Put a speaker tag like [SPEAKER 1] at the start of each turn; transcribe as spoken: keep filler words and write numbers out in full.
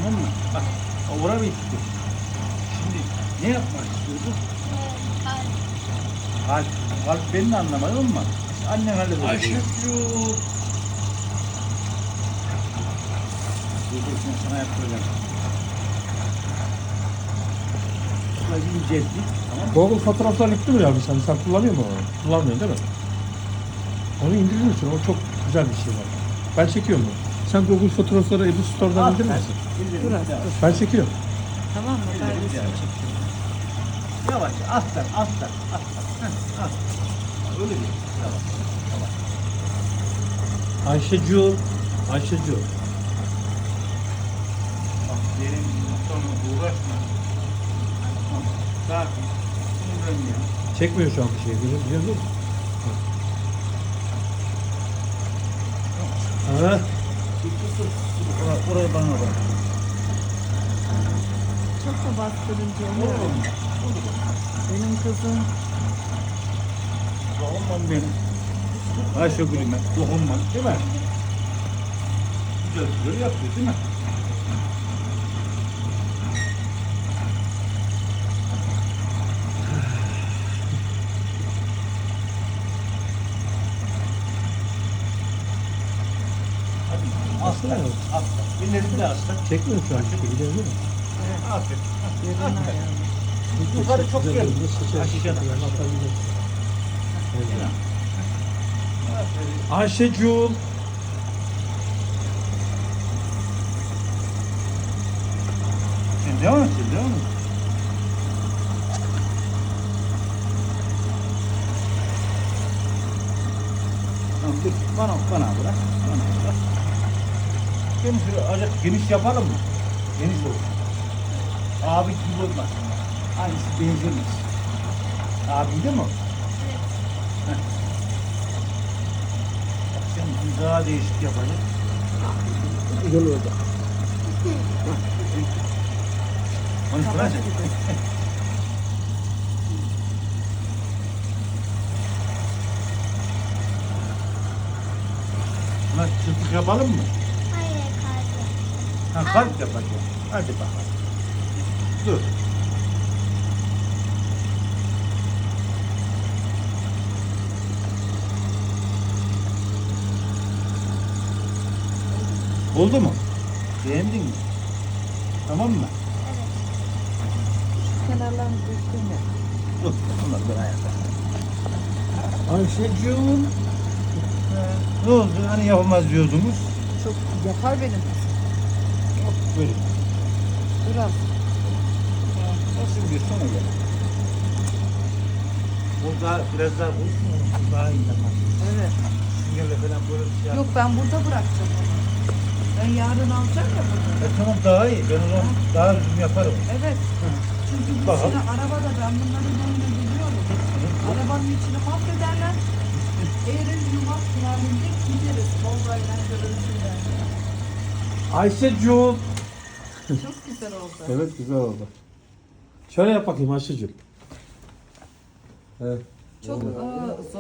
[SPEAKER 1] Tamam mı? Bak oraya bitti. Şimdi ne yapmak istiyorsun? Kalp. Kalp beni de anlamadın mı? Annen halleder.
[SPEAKER 2] Ayşegül.
[SPEAKER 1] Dur dur şimdi sana yaptıracağım. Şurayı incelttik. Tamam mı?
[SPEAKER 3] Google fotoğraflar yüklü mü abi sen? Sen kullanıyor musun onu? Kullanmıyorsun değil mi? Onu indiriyorsun. O çok güzel bir şey var. Ben çekiyorum bunu. Sen Google fotoğrafları Ebu Store'dan
[SPEAKER 1] Al
[SPEAKER 3] indirir
[SPEAKER 1] sen.
[SPEAKER 3] misin?
[SPEAKER 1] İndir,
[SPEAKER 2] Dur
[SPEAKER 1] indir.
[SPEAKER 2] az, dur.
[SPEAKER 3] Ben çekiyorum.
[SPEAKER 2] Tamam mı?
[SPEAKER 1] İndir,
[SPEAKER 2] Ben
[SPEAKER 1] indir. Yavaş, alttan, alttan, alttan. Heh, al. Öyle değil. Yavaş, yavaş.
[SPEAKER 3] Ayşecu. Ayşecu.
[SPEAKER 1] Bak benim sonra uğraşma. Tamam. Sakin. Sinirlenme.
[SPEAKER 3] Çekmiyor şu an bir şey. Biliyor biliyor musun? Ha.
[SPEAKER 1] Oraya, oraya bana bak.
[SPEAKER 2] çok da bastırınca
[SPEAKER 1] Olur
[SPEAKER 2] oluyor.
[SPEAKER 1] mu? Olur mu?
[SPEAKER 2] Benim kızım
[SPEAKER 1] Dokunmam benim. Ayşegül'üme dokunmam değil mi? Güzel güzel yapıyor değil mi? Hadi aslan, aslan. Ellerini de aslan.
[SPEAKER 3] Çekmiyor şu an bir şey. Biliyor musun?
[SPEAKER 1] Aferin.
[SPEAKER 2] yerine
[SPEAKER 1] Aferin.
[SPEAKER 2] ayağını.
[SPEAKER 1] Yukarı çok
[SPEAKER 3] Güzel
[SPEAKER 1] gel.
[SPEAKER 3] oldu. Seçer,
[SPEAKER 1] Aşağıda.
[SPEAKER 3] seçer. Atabilir. Evet.
[SPEAKER 1] Aferin.
[SPEAKER 3] Ayşecu.
[SPEAKER 1] Sen devam et, sen devam et. Tamam, dur. Bana, bana bırak. Bana bırak. Geniş, azıcık geniş yapalım mı? Geniş olsun. Abi gibi olmaz. Hangisi benzemez. Abi değil mi? Heh. Bak sen bir daha değişik yapacak.
[SPEAKER 3] Güzel oldu.
[SPEAKER 1] Onu soracak. Buna çırpık yapalım mı?
[SPEAKER 4] Hayır kalbi.
[SPEAKER 1] Ha, kalp yapacağım. Hadi bakalım. Dur. Oldu mu? Beğendin mi? Tamam mı?
[SPEAKER 2] Kenarlarını düzgün yap.
[SPEAKER 1] Dur. Bunlar ben ayakta.
[SPEAKER 3] Ayşecu.
[SPEAKER 1] Ne oldu? Hani yapamaz diyordunuz.
[SPEAKER 2] Çok yapar benim kızım.
[SPEAKER 1] Yok böyle.
[SPEAKER 2] Biraz.
[SPEAKER 1] Nasıl bir sonra gel. Bu daha biraz daha bulsun. Bu daha iyi yapar.
[SPEAKER 2] Evet.
[SPEAKER 1] Süngerle falan böyle bir şey yap.
[SPEAKER 2] Yok ben burada bırakacağım onu. Ben yarın alacağım ya bunu.
[SPEAKER 1] E, tamam daha iyi. Ben o zaman daha düzgün yaparım.
[SPEAKER 2] Evet. Çünkü bu
[SPEAKER 1] Bakalım.
[SPEAKER 2] sene arabada ben bunları böyle biliyorum. Arabanın içini mahvederler. Eğer yumak halinde gideriz. Volvo'yla görüntüyle.
[SPEAKER 3] Ayşecu.
[SPEAKER 2] Çok güzel oldu.
[SPEAKER 3] Evet güzel oldu. Şöyle yap bakayım Ayşecu. Evet.
[SPEAKER 2] Çok e, zor.